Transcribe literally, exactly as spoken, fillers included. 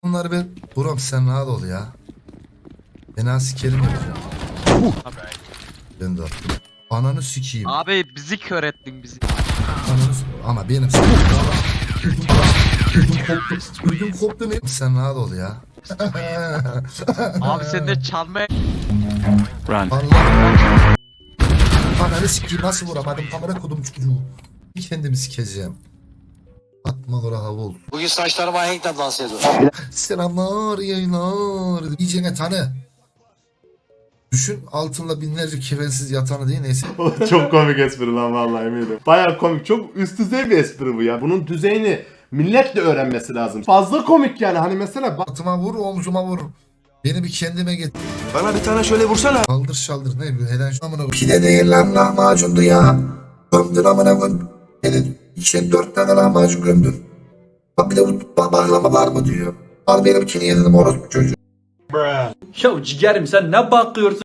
Bunları ben... Buram sen rahat ol ya. Fena sikerim yapacağım. Ben de attım. Ananı sikeyim. Abi bizi kör ettin bizi. Ananı s- Ama benim s- Ödüm koptu. Ödüm koptu ne? Sen rahat ol ya. Abi sen de çalmaya... Run. Allah. Ananı sikeyim nasıl vuramadım kamera kodum çocuğu. Bir kendimi sikeceğim. Atma kora havul. Bugün saçlarıma henkle dans ediyor. Selamlar yayınlar. İyicene tanı. Düşün altında binlerce kefensiz yatanı değil neyse. Çok komik espri lan vallahi eminim. Baya komik. Çok üst düzey bir espri bu ya. Bunun düzeyini millet de öğrenmesi lazım. Fazla komik yani. Hani mesela bak. Atıma vur omzuma vur. Beni bir kendime get. Bana bir tane şöyle vursana. Kaldır şaldır ne bu heden şu amına. Pide değil lan lahmacundu ya. Gömdün amına koyun. Senin içine dört tane lahmacun gömdün. Bak bir de bu bağlama var mı diyor. Al benimkini yedim orospu çocuğu. Ya ciğerim sen ne bakıyorsun?